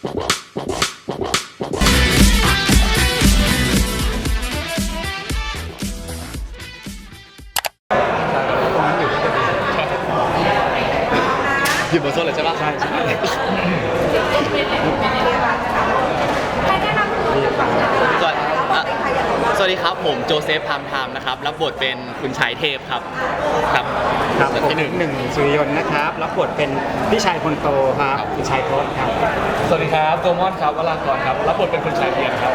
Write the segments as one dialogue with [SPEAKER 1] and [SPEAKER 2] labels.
[SPEAKER 1] อยู่บนโซนเลยใช่ปะใช่สวัสดีครับผมโจเซฟพามไทม์นะครับรับบทเป็นคุณชายเทพครับ
[SPEAKER 2] ครับผมหนึ่งสุริยนต์นะครับรับบทเป็นพี่ชายคนโตครับคุณชายทศครับ
[SPEAKER 3] สวัสดีครับโกมอนครับวรากรครับรับบทเป็นคุณชายเทียนครับ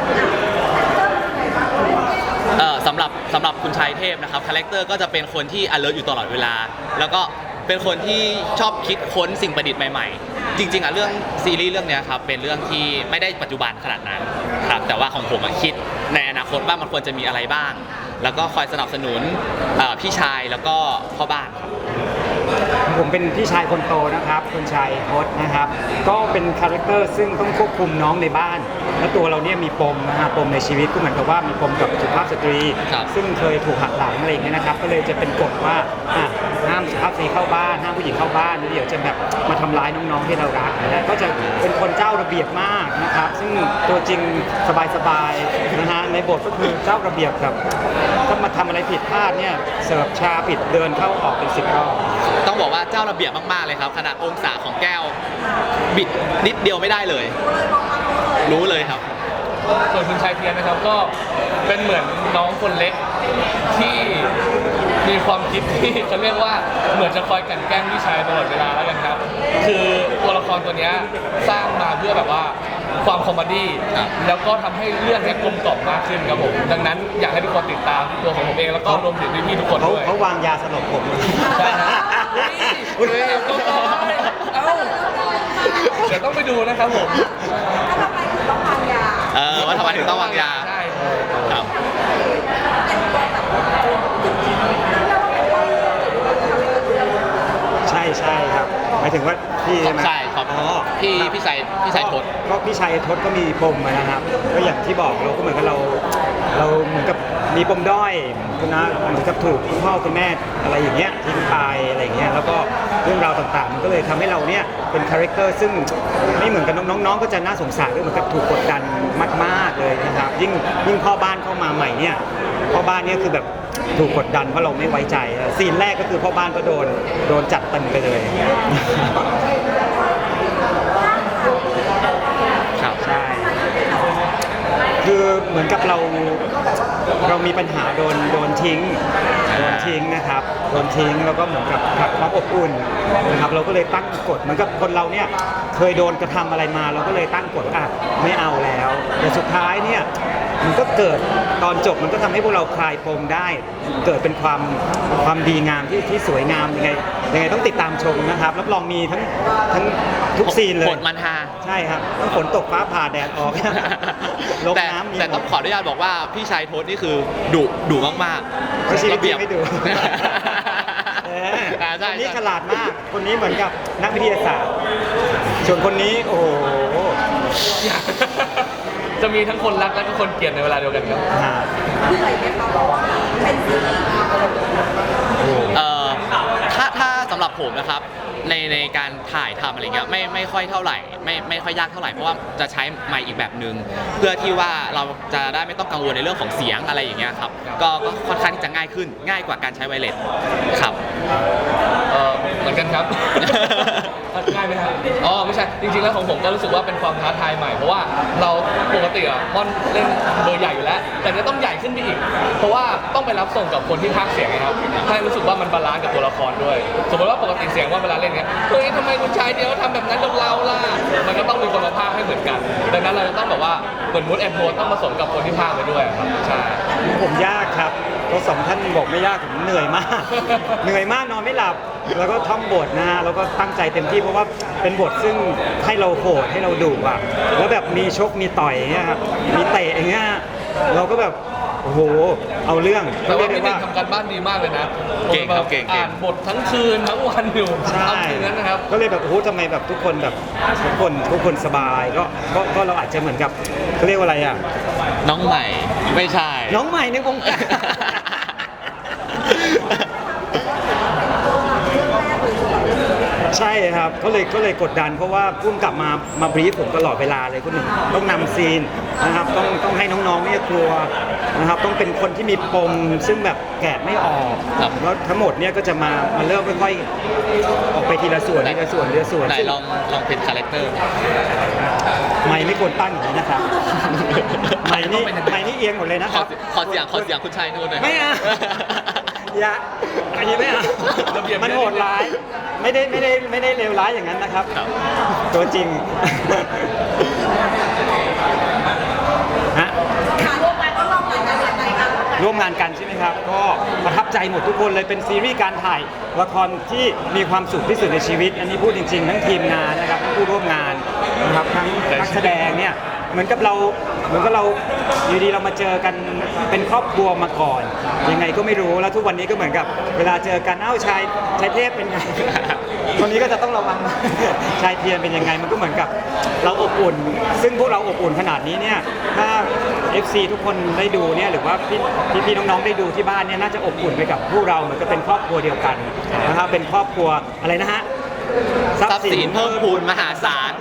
[SPEAKER 1] สำหรับคุณชายเทพนะครับคาแรคเตอร์ก็จะเป็นคนที่ alert อยู่ตลอดเวลาแล้วก็เป็นคนที่ชอบคิดค้นสิ่งประดิษฐ์ใหม่ๆจริงๆเรื่องซีรีส์เรื่องนี้ครับเป็นเรื่องที่ไม่ได้ปัจจุบันขนาดนั้นครับแต่ว่าของผมคิดในอนาคตว่ามันควรจะมีอะไรบ้างแล้วก็คอยสนับสนุนพี่ชายแล้วก็พ่อบ้าน
[SPEAKER 2] ผมเป็นพี่ชายคนโตนะครับคุณชายทศนะครับก็เป็นคาแรคเตอร์ซึ่งต้องควบคุมน้องในบ้านและตัวเราเนี่ยมีปมนะฮะปมในชีวิตก็เหมือนกับว่ามีปมกับสุภาพสตรีซึ่งเคยถูกหักหลังอะไรอย่างเงี้ยนะครับก็เลยจะเป็นกฎว่าห้ามสุภาพสตรีเข้าบ้านห้ามผู้หญิงเข้าบ้านเดี๋ยวจะแบบมาทำร้ายน้องๆที่เรารักนะก็จะเป็นคนเจ้าระเบียบมากนะครับซึ่งตัวจริงสบายๆนะฮะในบทก็คือเจ้าระเบียบแบบถ้ามาทำอะไรผิดพลาดเนี่ยเสิร์ฟชาผิดเดินเข้าออกเป็น10 รอบ
[SPEAKER 1] ต้องบอกว่าเจ้าระเบียบมากๆเลยครับขนาดองศาของแก้วบิดนิดเดียวไม่ได้เลยรู้เลยครับ
[SPEAKER 3] ส่วนคุณชายเทียนนะครับก็เป็นเหมือนน้องคนเล็กที่มีความคิดที่จะเรียกว่าเหมือนจะคอยกลั่นแกล้งพี่ชายตลอดเวลาแล้วกันครับคือตัวละครตัวนี้สร้างมาเพื่อแบบว่าความคอมเมดี้แล้วก็ทำให้เรื่องนี้กลมกล่อมมากขึ้นครับผมดังนั้นอยากให้ทุกคนติดตามตัวของผมเองแล้วก็รวมถึงพี่ๆทุกคนด้วย
[SPEAKER 2] เขาวางยาสลบผม
[SPEAKER 3] ใช่ครับเดี๋ยวต้องไปดูนะครับผม
[SPEAKER 1] ว่าทำไมถึงต้องวางยา
[SPEAKER 3] ใช่
[SPEAKER 1] ครับ
[SPEAKER 2] ใช่ครับหมายถึงว่าพี่ใช่ไหม
[SPEAKER 1] ใช่ครับพี่ชายทศ
[SPEAKER 2] ก็พี่ชายทศก็มีปมนะครับก็อย่างที่บอกเราก็เหมือนกับเราเหมือนกับมีปมด้อยนะเหมือนกับถูกคุณพ่อคุณแม่อะไรอย่างเงี้ยทิ้งไปอะไรอย่างเงี้ยแล้วก็เรื่องราวต่างๆมันก็เลยทำให้เราเนี่ยเป็นคาแรคเตอร์ซึ่งไม่เหมือนกับน้องๆก็จะน่าสงสารด้วยเหมือนกับถูกกดดันมากๆเลยนะครับยิ่งพ่อบ้านเข้ามาใหม่เนี่ยพ่อบ้านเนี่ยคือแบบถูกกดดันเพราะเราไม่ไว้ใจซีนแรกก็คือพ่อบ้านก็โดนจัดเต็มไปเลย
[SPEAKER 1] ครับ
[SPEAKER 2] ใช่คือเหมือนกับเรามีปัญหาโดนทิ้งนะครับโดนทิ้งแล้วก็เหมือนกับขาดความอบอุ่นนะครับเราก็เลยตั้งกฎเหมือนกับคนเราเนี่ยเคยโดนกระทำอะไรมาเราก็เลยตั้งกฎไม่เอาแล้วแต่สุดท้ายเนี่ยมันก็เกิดตอนจบมันก็ทำให้พวกเราคลายปมได้เกิดเป็นความดีงามที่สวยงามยังไงต้องติดตามชมนะครับรับรองมีทั้งทุกซีนเลย
[SPEAKER 1] ฝนมันฮา
[SPEAKER 2] ใช่ครับต้องฝนตกฟ้าผ่าแดดออกลงน้ำ
[SPEAKER 1] แต่ต้องขออนุญาตบอกว่าพี่ชายทศนี่คือดุมาก
[SPEAKER 2] ๆระเบียบไม่ดุคนนี้ฉลาดมากคนนี้เหมือนกับนักวิทยาศาสตร์ส่วนคนนี้โอ้โห
[SPEAKER 3] จะมีทั้งคนรักและก็คนเกลียดในเวลาเดียวกันครับ
[SPEAKER 4] เหนื่อยไหมคะเพราะว่าเป็นซีรีส์
[SPEAKER 1] ถ้าสำหรับผมนะครับในการถ่ายทำอะไรเงี้ยไม่ค่อยเท่าไหร่ไม่ค่อยยากเท่าไหร่เพราะว่าจะใช้ไมค์อีกแบบนึงเพื่อที่ว่าเราจะได้ไม่ต้องกังวลในเรื่องของเสียงอะไรอย่างเงี้ยครับก็ค่อนข้างที่จะง่ายกว่าการใช้ไวเลสครับ
[SPEAKER 3] เหมือนกันครับง่ายไหมครับอ๋อไม่ใช่จริงๆแล้วของผมก็รู้สึกว่าเป็นความท้าทายใหม่เพราะว่าเราปกติม่อนเล่นเบอร์ใหญ่อยู่แล้วแต่จะต้องใหญ่ขึ้นไปอีกเพราะว่าต้องไปรับส่งกับคนที่พากย์เสียงนะครับให้รู้สึกว่ามันบาลานซ์กับตัวละครด้วยสมมติว่าปกติเสียงว่าเวลาเล่นเนี้ยเฮ้ยทำไมคุณชายเดียวทำแบบนั้นกับเราล่ะมันก็ต้องมีคนมาพากย์ให้เหมือนกันดังนั้นเราจะต้องแบบว่าเหมือนมูดแอนโทนต้องผสมกับคนที่พากย์ไปด้วยครับใช่
[SPEAKER 2] ผมยากครับก็สองท่านบอกไม่ยากผมเหนื่อยมากนอนไม่หลับแล้วก็ท่องบทนะฮะแล้วก็ตั้งใจเต็มที่เพราะว่าเป็นบทซึ่งให้เราโหดให้เราดุอ่ะแล้วแบบมีชกมีต่อยอย่างเงี้ยครับมีเตะอย่างเงี้ยเราก็แบบโอ้โหเอาเรื่อง
[SPEAKER 3] แต่ว่าพี่หนึ่งทำการบ้านดีมากเลยนะ
[SPEAKER 1] เก่ง
[SPEAKER 3] อ่านบททั้งคืนทั้งวันอยู่
[SPEAKER 2] ใช่
[SPEAKER 3] นั้นนะครับ
[SPEAKER 2] ก็เลยแบบโอ้โหทำไมแบบทุกคนสบายก็เราอาจจะเหมือนกับเขาเรียกว่าอะไรอ่ะ
[SPEAKER 1] น้องใหม่ไม่ใช่
[SPEAKER 2] น้องใหม่ในวงการใช่ครับก็เลยกดดันเพราะว่าพุ่มกลับมาบรีฟผมตลอดเวลาเลยคุณหนึ่งต้องนำซีนนะครับต้องให้น้องๆเนี่ยกลัวนะครับต้องเป็นคนที่มีปมซึ่งแบบแกะไม่ออก
[SPEAKER 1] ครับ
[SPEAKER 2] แล้วทั้งหมดเนี่ยก็จะมาเริ่มค่อยๆออกไปทีละส่วนทีละส่วนทีละส่วน
[SPEAKER 1] ไหนลองเป็นคาแรคเตอร์
[SPEAKER 2] ไม่ควรตั้งอย่างนี้นะครับไม่นี่เอียงหมดเลยนะ
[SPEAKER 1] ข
[SPEAKER 2] ค
[SPEAKER 1] อ
[SPEAKER 2] รับ
[SPEAKER 1] ขอเสียงคุณชัยนู่นหน่อย
[SPEAKER 2] ไม่เอาอย่าอันนี้ไม่เอา
[SPEAKER 3] ระเบียบ
[SPEAKER 2] มันโหดร้ายไม่ได้เลวร้ายอย่างนั้นนะครับ
[SPEAKER 1] ครับ
[SPEAKER 2] ตัวจริง ฮะ
[SPEAKER 4] ค่ะร่วมงานก็ร่วมงานกันยังไงคะ
[SPEAKER 2] ร่วมงานกันใช่ไหมครับ ก็ประทับใจหมดทุกคนเลยเป็นซีรีส์การถ่ายละครที่มีความสุขที่สุดในชีวิต อันนี้พูดจริงๆ ทั้งทีมงานนะครับทั้งผู้ร่วมงานนะครับทั้งนักแสดงเนี่ยเหมือนกับเราอยู่ดีเรามาเจอกันเป็นครอบครัวมาก่อน ยังไงก็ไม่รู้แล้วทุกวันนี้ก็เหมือนกับเวลาเจอกันชายเทพเป็นไง คนนี้ก็จะต้องระวัง ชายเทียนเป็นยังไงมันก็เหมือนกับเราอบอุ่น ซึ่งพวกเราอบอุ่นขนาดนี้เนี่ยถ้า FC ทุกคนได้ดูเนี่ยหรือว่าพี่น้องๆได้ดูที่บ้านเนี่ยน่าจะอบอุ่นไปกับพวกเราเหมือนกับเป็นครอบครัวเดียวกันนะครับเป็นครอบครัวอะไรนะฮะ
[SPEAKER 1] ทรัพย์สินเพิ่มพูนมหาศาล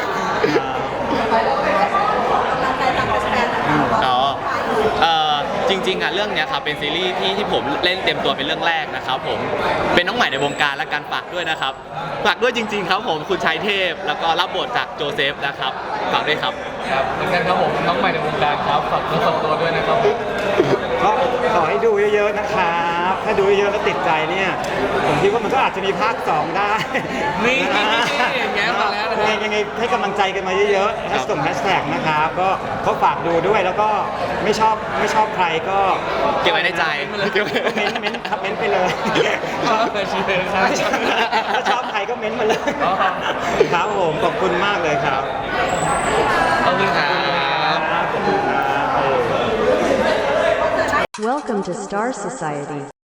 [SPEAKER 4] ตั้งใจทำการแสดงนะคะ
[SPEAKER 1] อ๋อจริงๆอ่ะเรื่องเนี้ยครับเป็นซีรีส์ที่ผมเล่นเต็มตัวเป็นเรื่องแรกนะครับผมเป็นน้องใหม่ในวงการและการฝากด้วยนะครับฝากด้วยจริง ๆ ครับผมคุณชัยเทพแล้วก็รับบทจากโจเซฟนะครับฝากด้วยครับ
[SPEAKER 3] ครับเหมือนกันครับผมน้องใหม่ในวงการครับฝากเนื้อฝากตัวด้วยนะครับ
[SPEAKER 2] ก็ขอให้ดูเยอะๆนะครับ ถ้าดูเยอะๆแล้วติดใจเนี่ยผมคิดว่ามันก็อาจจะมีภาค 2 ได้
[SPEAKER 3] นี่
[SPEAKER 2] ะ
[SPEAKER 3] แง้มมาแล้วนะครับ
[SPEAKER 2] ยังไงให้กำลังใจกันมาเยอะๆส่งแฮชแท็กนะครับก็ฝากดูด้วยแล้วก็ไม่ชอบใครก็
[SPEAKER 1] เก็บไว้ในใจ
[SPEAKER 2] เม้นครับเม้นไปเลย
[SPEAKER 3] ชอบเลยชีเลยครับ
[SPEAKER 2] ถ้าชอบใครก็เม้นมาเลย
[SPEAKER 3] อ๋อ
[SPEAKER 2] ครับผมขอบคุณมากเลยครับ
[SPEAKER 3] ขอบคุณครับ
[SPEAKER 2] ขอบคุณครับ
[SPEAKER 5] Welcome to Star Society.